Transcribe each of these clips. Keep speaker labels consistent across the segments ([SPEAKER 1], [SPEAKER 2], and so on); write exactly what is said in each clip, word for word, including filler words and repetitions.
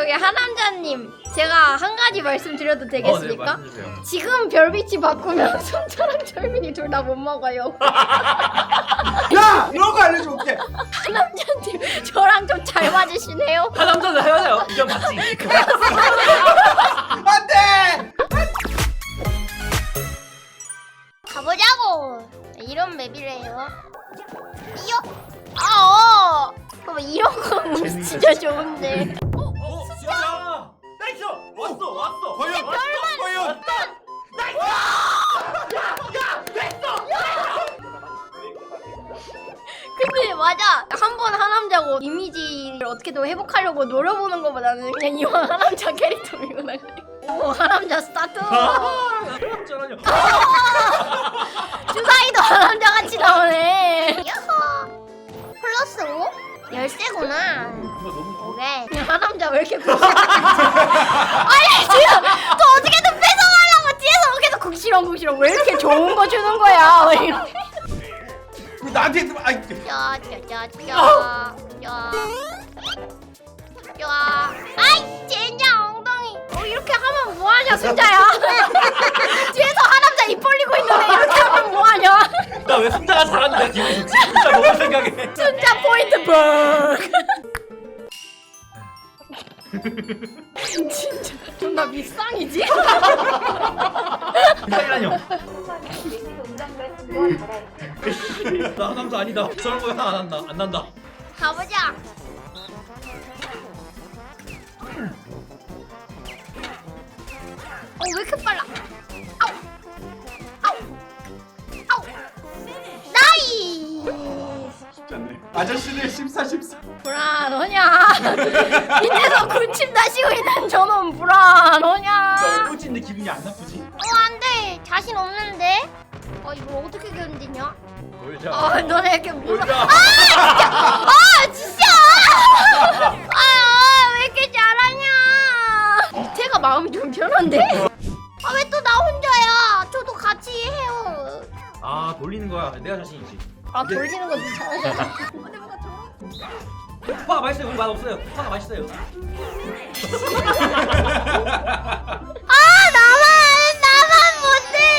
[SPEAKER 1] 저기 하남자님, 제가 한 가지 말씀드려도 되겠습니까?
[SPEAKER 2] 어, 네, 말씀주세요.
[SPEAKER 1] 지금 별빛이 바꾸면 순자랑 철민이 둘 다 못 먹어요.
[SPEAKER 3] 야! 이런 거 알려줄게.
[SPEAKER 1] 하남자님, 저랑 좀 잘 맞으시네요.
[SPEAKER 2] 하남자는 헤어져요. 이건 맞지.
[SPEAKER 3] 안 돼!
[SPEAKER 1] 가보자고. 이런 맵이래요. 이요? 아, 어. 봐봐, 이런 거 진짜 좋은데.
[SPEAKER 2] 어, 진짜. 나이스. 왔어, 왔어.
[SPEAKER 3] 과연! 과연!
[SPEAKER 1] 근데 맞아. 한 번 하남자고 이미지를 어떻게든 회복하려고 노려보는 것보다는 그냥 이왕 하남자 캐릭터 밀고 나가래. 오, 하남자 스타트.
[SPEAKER 2] 하남자라뇨.
[SPEAKER 1] 주사위도 하남자 같이 나오네. 야호. 플러스 오? 열쇠구나.
[SPEAKER 2] 이거 너무
[SPEAKER 1] 오케이. 그냥 하남자 왜 이렇게 고생? 아니 지금 또 어떻게든 뺏어가려고 뒤에서 계속 국시렁 국시렁 왜 이렇게 좋은 거 주는 거야? 왜 이렇게?
[SPEAKER 3] 왜 나한테 좀 아이
[SPEAKER 1] 짜짜짜짜 짜. 짜. 아이 젠장 엉덩이. 어 이렇게 하면 뭐하냐 순자야? 뒤에서 하남자 입 벌리고 있는데 이렇게 하면 뭐하냐?
[SPEAKER 2] 나왜 순자가 잘하는데 기분이 좋지? 순자 너무 생각해.
[SPEAKER 1] 순자 포인트 버. 진짜 존나 밉상이지?
[SPEAKER 2] 이상이라뇨. 나 하남자 아니다. 저런 거 하나 안 한다. 안 난다.
[SPEAKER 1] 가보자. 어, 왜 이렇게 빨라? 아우! 아우! 아우! 나이!
[SPEAKER 3] 쉽지 않네. 아저씨들 십사십사.
[SPEAKER 1] 불안하냐? 밑에서 군침 다시고 있는 저놈 불안하냐?
[SPEAKER 2] 나 꼴찌인데 기분이 안 나쁘지?
[SPEAKER 1] 어, 안 돼. 자신 없는데? 어, 이거 어떻게 견디냐?
[SPEAKER 2] 놀자.
[SPEAKER 1] 어, 너네 이렇게 무서워.
[SPEAKER 2] 놀자.
[SPEAKER 1] 아, 진짜! 아, 왜 이렇게 잘하냐? 밑에가 마음이 좀 편한데? 아, 왜 또 나 혼자야? 저도 같이 해요.
[SPEAKER 2] 아 돌리는 거야. 내가 자신 있지.
[SPEAKER 1] 아, 돌리는 것도 잘해.
[SPEAKER 2] 파가 맛있어요. 우리 맛 없어요. 파가 맛있어요.
[SPEAKER 1] 아, 나만, 나만 못해.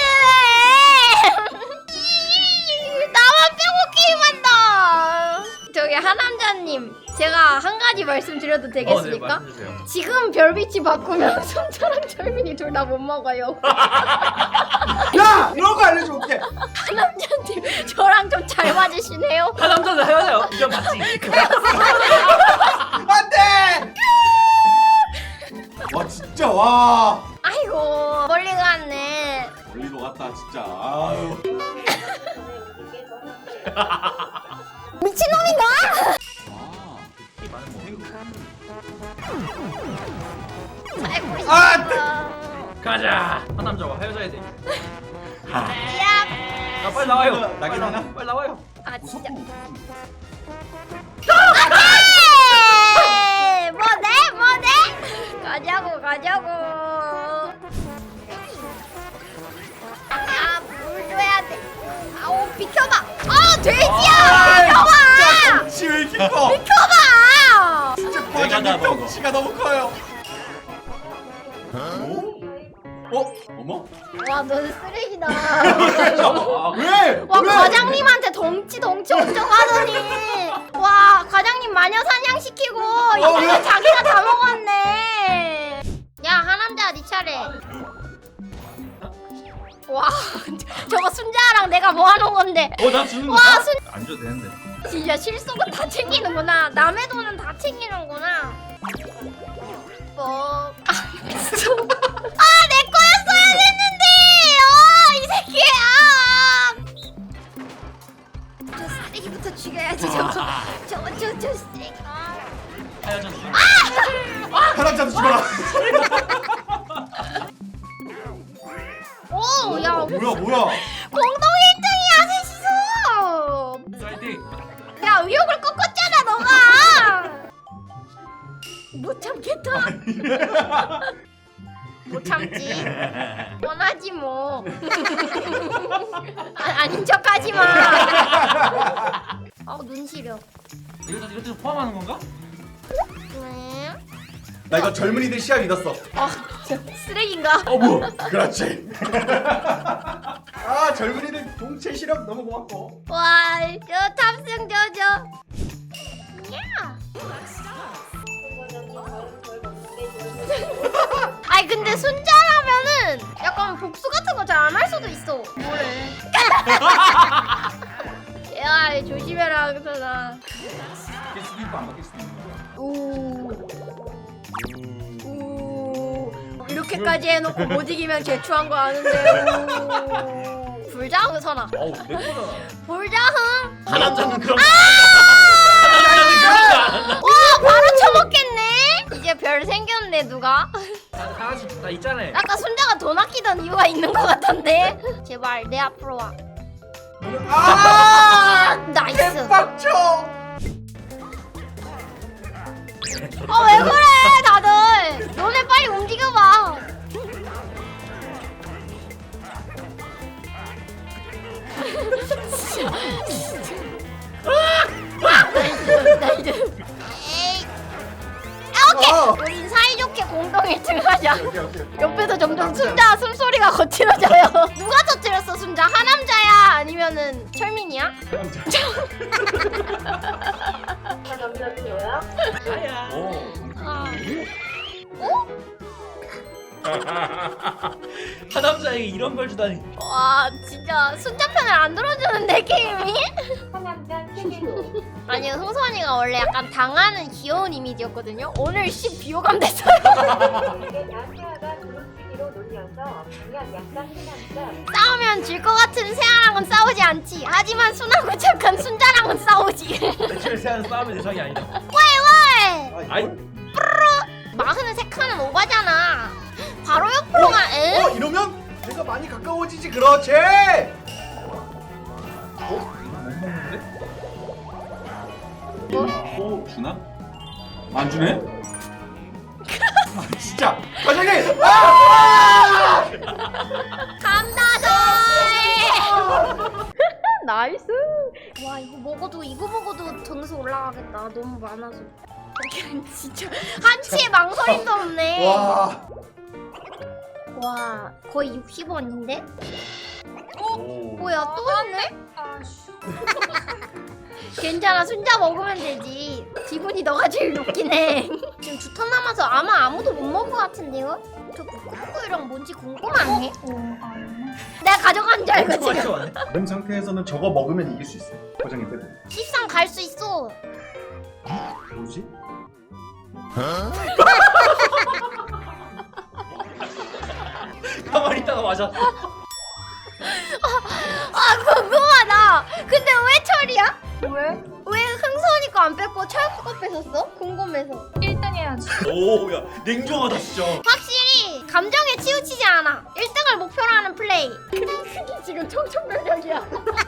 [SPEAKER 1] 나만 빼고 게임한다. 저기 하남자님, 제가 한 가지 말씀드려도 되겠습니까?
[SPEAKER 2] 어, 네, 말씀주세요.
[SPEAKER 1] 지금 별빛이 바꾸면 순자랑 철민이 둘 다 못 먹어요.
[SPEAKER 3] 야! 이런 거 알려줄게.
[SPEAKER 1] 하남자님, 저랑 좀 잘 맞으시네요.
[SPEAKER 2] 하남자는 헤어져요. 이건 맞지.
[SPEAKER 3] 안 돼! 와 진짜 와.
[SPEAKER 1] 아이고, 멀리 갔네.
[SPEAKER 3] 멀리도 갔다 진짜. 아유.
[SPEAKER 1] 미친놈인가? 살고 싶어.
[SPEAKER 3] 아,
[SPEAKER 2] 가자. 하남자와 헤어져야 돼.
[SPEAKER 1] 야.
[SPEAKER 2] 야 빨리 나와요.
[SPEAKER 3] 나긴
[SPEAKER 2] 빨리 나와.
[SPEAKER 3] 하나?
[SPEAKER 2] 빨리 나와요.
[SPEAKER 1] 아, 진짜.
[SPEAKER 3] 무섭고.
[SPEAKER 1] 안돼! 뭐네? 뭐네? 가자고, 가자고. 아, 물 줘야 돼. 아우, 비켜봐. 아, 돼지야! 비켜봐!
[SPEAKER 3] 덩치 왜 이렇게 커?
[SPEAKER 1] 비켜봐!
[SPEAKER 3] 진짜
[SPEAKER 2] 내가 다
[SPEAKER 3] 과장님
[SPEAKER 2] 먹어.
[SPEAKER 3] 덩치가 너무 커요. 어? 어머?
[SPEAKER 1] 와, 너는 쓰레기다.
[SPEAKER 3] 아, 왜?
[SPEAKER 1] 와,
[SPEAKER 3] 왜?
[SPEAKER 1] 과장님한테 덩치 덩치 엄청 하더니 와, 과장님 마녀 사냥시키고 이거
[SPEAKER 3] 왜?
[SPEAKER 1] 자기가 다 먹었네. 야, 하남자 네 차례. 와, 저거 순자랑 내가 모아놓은 건데.
[SPEAKER 2] 어나 주는 거야?
[SPEAKER 1] 와, 순
[SPEAKER 2] 안 줘도 되는데.
[SPEAKER 1] 진짜 실속은 다 챙기는구나. 남의 돈은 다 챙기는구나. 뭐? 아, 진짜. 아, 내 거였어야 됐는데. 어, 이 새끼야. 저 쓰레기부터 죽여야지 저거. 저거 저 저 쓰레기. 아.
[SPEAKER 2] 헤어졌어.
[SPEAKER 3] 하남자도 죽어라.
[SPEAKER 1] 오, 야,
[SPEAKER 3] 뭐야 뭐야?
[SPEAKER 1] 공동 일 등이야, 셋이서.
[SPEAKER 2] 파이팅.
[SPEAKER 1] 야, 의욕을 꺾었잖아, 너가. 못 참겠다. 못 참지. 원하지 뭐. 아, 아닌 척하지 마. 아, 눈 시려.
[SPEAKER 2] 이것도 이것도 포함하는 건가?
[SPEAKER 1] 왜?
[SPEAKER 3] 나 이거 젊은이들 시합 믿었어.
[SPEAKER 1] 아 쓰레기인가?
[SPEAKER 3] 어 뭐? 그렇지. 아 젊은이들 동체 시력 너무 고맙고.
[SPEAKER 1] 와저 탑승 저저. 야. 아니 근데 순자라면은 약간 복수 같은 거 잘 안 할 수도 있어. 뭐래? 야 조심해라 그러잖아.
[SPEAKER 3] 바뀔 수도 있고 안 바뀔 수도 있는 거야.
[SPEAKER 1] 오. 오. 이렇게까지 해놓고 못 이기면 제추한 거 아는데. 오. 불자흥 선아.
[SPEAKER 2] 어우 내 거잖아.
[SPEAKER 1] 불자흥.
[SPEAKER 2] 한 남자는 그런.
[SPEAKER 1] 아!
[SPEAKER 2] 한 남자는 그런 거안 한다.
[SPEAKER 1] 와 바로 쳐먹겠네. 이제 별 생겼네 누가?
[SPEAKER 2] 하나씩 다 있잖아.
[SPEAKER 1] 아까 순자가 돈 아끼던 이유가 있는 것 같던데. 제발 내 앞으로 와.
[SPEAKER 3] 아!
[SPEAKER 1] 나이스.
[SPEAKER 3] 빡쳐.
[SPEAKER 1] 아 왜 그래 다들. 너네 빨리 움직여봐. 나이스. 에이. 아 오케이.
[SPEAKER 3] 어.
[SPEAKER 1] 우린 사이좋게 공동 일 등 하자.
[SPEAKER 3] 오케이 오케이.
[SPEAKER 1] 옆에서 점점 순자 숨소리가 거칠어져요. 누가 터뜨렸어 순자? 하남자야? 아니면은 철민이야?
[SPEAKER 4] 남자는 너야?
[SPEAKER 2] 아야.
[SPEAKER 3] 오.
[SPEAKER 1] 아. 어?
[SPEAKER 2] 한 남자에게 이런 걸 주다니.
[SPEAKER 1] 와 진짜 순자 편을 안 들어주는데 게임이?
[SPEAKER 4] 하남자 세계로
[SPEAKER 1] 아니 흥선이가 원래 약간 당하는 귀여운 이미지였거든요. 오늘 씨 비호감 됐어요.
[SPEAKER 4] 나세아가 두루치기로 놀려서 그냥 약간 해남자
[SPEAKER 1] 싸우면 질 것 같은 세아랑은 싸우지 않지. 하지만 순하고 착한 순자랑은 싸우지.
[SPEAKER 2] 대체를 세하는 싸움의 대상이 아니다.
[SPEAKER 1] 왜 왜?
[SPEAKER 2] 아이
[SPEAKER 1] 마흔은 세 칸은 오바잖아. 바로 옆으로 가. 에?
[SPEAKER 3] 어 이러면 내가 많이 가까워지지. 그렇지.
[SPEAKER 2] 어? 못 먹는데?
[SPEAKER 3] 오 주나? 안 주네? 아 진짜 과장님! 아!
[SPEAKER 1] 감다들. 나이스. 와 이거 먹어도 이거 먹어도 점수 올라가겠다. 너무 많아서. 진짜 한치의 망설임도 없네.
[SPEAKER 3] 와.
[SPEAKER 1] 와 거의 육십 원인데?
[SPEAKER 3] 오.
[SPEAKER 1] 뭐야 또 있네? 괜찮아 순자 먹으면 되지. 기분이 너가 제일 높긴 해. 지금 두 턴 남아서 아마 아무도 못 먹을 것 같은데요? 저 부끄부끄이랑 뭔지 궁금하네. 내가 가져간 줄 알고
[SPEAKER 2] 엄청
[SPEAKER 1] 지금
[SPEAKER 2] 많이 왔네.
[SPEAKER 3] 그런 상태에서는 저거 먹으면 이길 수 있어요. 과장님 빼고.
[SPEAKER 1] 십상 갈 수 있어.
[SPEAKER 3] 뭐지?
[SPEAKER 2] 가만히 있다가 맞아.
[SPEAKER 1] 아 궁금하다. 근데 왜 철이야? 왜? 왜 흥선이 거 안 뺐고 철구 거 뺐었어? 궁금해서.
[SPEAKER 4] 일 등 해야지.
[SPEAKER 2] 오야 냉정하다 진짜.
[SPEAKER 1] 확실히 감정에 치우치지 않아. 일 등을 목표로 하는 플레이. 크기 지금 청천벽력이야.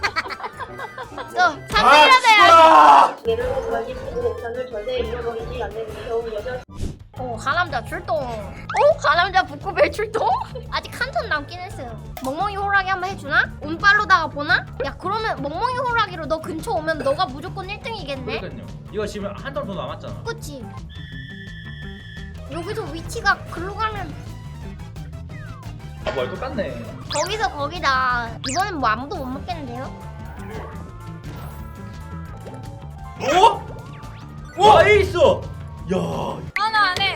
[SPEAKER 1] 저 삼 등이라도 해야지.
[SPEAKER 3] 아!
[SPEAKER 4] 예를 들어 이십구 옵션을 절대 잃어버리지 않는 귀여운 여자
[SPEAKER 1] 오 가남자 출동. 오 가남자 북구벨 출동? 아직 한 턴 남긴 했어요. 멍멍이 호랑이 한번 해주나? 운빨로다가 보나? 야 그러면 멍멍이 호랑이로 너 근처 오면 너가 무조건 일 등이겠네?
[SPEAKER 2] 그러니까요. 이거 지금 한 턴 더 남았잖아.
[SPEAKER 1] 그치? 여기서 위치가 글로 가면
[SPEAKER 2] 아 뭐야 똑같네.
[SPEAKER 1] 거기서 거기다. 이번엔 뭐 아무도 못 먹겠는데요?
[SPEAKER 2] 어? 와 에이스. 야.
[SPEAKER 4] 하나 안 해.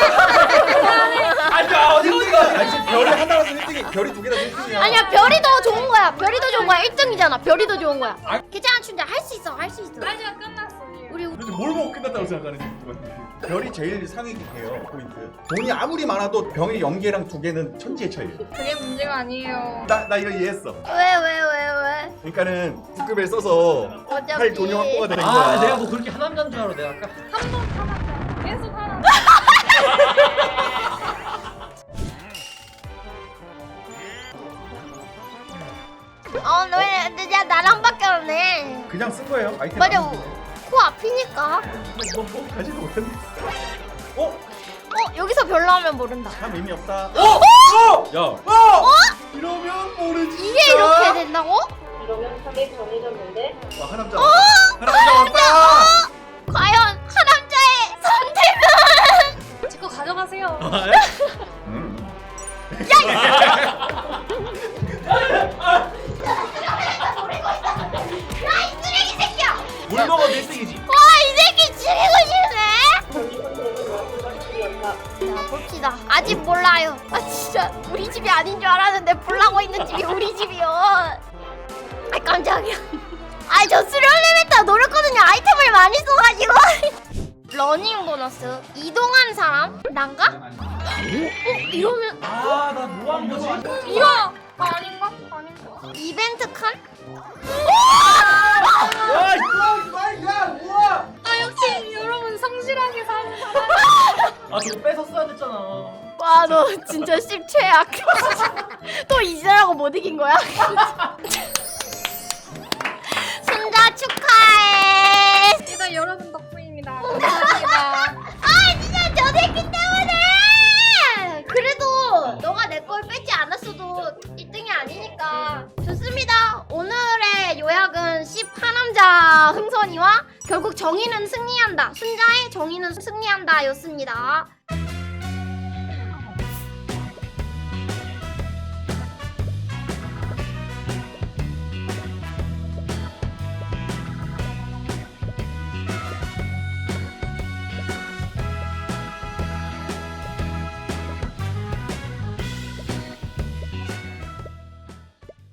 [SPEAKER 2] 아니야 어디가 어디가.
[SPEAKER 3] 아니 지금 별이 하나라서 일 등이 별이 두 개라서 일 등이야.
[SPEAKER 1] 아니야 별이 더 좋은 거야. 별이 더 좋은 거야. 일 등이잖아. 별이 더 좋은 거야.
[SPEAKER 3] 아.
[SPEAKER 1] 괜찮아 춘자 할 수 있어. 할 수 있어.
[SPEAKER 4] 아니야 끝났어.
[SPEAKER 1] 우리
[SPEAKER 3] 도대체 뭘 먹고 끝났다고 생각하는지. 별이 제일 상위예요 포인트. 돈이 아무리 많아도 병의 연계랑 두 개는 천지의 차이예요.
[SPEAKER 4] 그게 문제가 아니에요.
[SPEAKER 3] 나, 나 이거 이해했어.
[SPEAKER 1] 왜 왜 왜 왜?
[SPEAKER 3] 그러니까는 국급을 써서
[SPEAKER 1] 어차피
[SPEAKER 3] 할 돈이 확보가 되는 거야.
[SPEAKER 2] 아 내가 뭐 그렇게 한 남자인 줄 알아 내가 아까.
[SPEAKER 4] 한 번 하나 계속 하나.
[SPEAKER 1] 어, 왜, 야, 나랑 바뀌었네.
[SPEAKER 3] 그냥 쓴 거예요. 아이템.
[SPEAKER 1] 맞아,
[SPEAKER 3] 안
[SPEAKER 1] 코 앞이니까.
[SPEAKER 3] 뭐, 뭐 가지도 못했네. 어?
[SPEAKER 1] 어, 여기서 별로 하면 모른다.
[SPEAKER 3] 참 의미 없다.
[SPEAKER 2] 어?
[SPEAKER 3] 어?
[SPEAKER 2] 야.
[SPEAKER 3] 어? 이러면 모르지.
[SPEAKER 1] 이게
[SPEAKER 3] 진짜.
[SPEAKER 1] 이렇게 된다고?
[SPEAKER 4] 이러면 삼백 정해졌는데
[SPEAKER 3] 와, 하남자 왔다. 하남자 왔다.
[SPEAKER 1] 과연 하남자의 선택은?
[SPEAKER 4] 지금 가
[SPEAKER 5] 하세요.
[SPEAKER 2] 아, 예?
[SPEAKER 3] 음.
[SPEAKER 1] 야이 쓰레기 새끼야!
[SPEAKER 2] 물 먹어도 일 등이지.
[SPEAKER 1] 와 이 새끼 죽이고 싶네!
[SPEAKER 4] 전지 선생은 우리 집이었다.
[SPEAKER 1] 자 봅시다. 아직 몰라요. 아 진짜 우리 집이 아닌 줄 알았는데 불나고 있는 집이 우리 집이요. 아 깜짝이야. 아이 저 수련 엘리베이터 노렸거든요. 아이템을 많이 써가지고. 러닝 보너스. 이동한 사람? 난가? 어? 이러면
[SPEAKER 2] 아, 나 뭐 한 거지?
[SPEAKER 1] 이러 아닌가? 아닌가? 이벤트 칸?
[SPEAKER 2] 야,
[SPEAKER 5] 아 역시 여러분 성실하게 사는 사람.
[SPEAKER 2] 아, 저거 뺏었어야 됐잖아.
[SPEAKER 1] 와 너 진짜 씹 최악. 또 이제라고 못 이긴 거야? 순자 축하해.
[SPEAKER 5] 이거 여러분 덕분입니다. 감사합니다.
[SPEAKER 1] 아 진짜 저 새끼 때문에. 그래도 너가 내 걸 뺏지 않았어도 일 등이 아니니까 좋습니다. 오늘의 요약은 십 하남자 흥선이와 결국 정의는 승리한다, 순자의 정의는 승리한다 였습니다.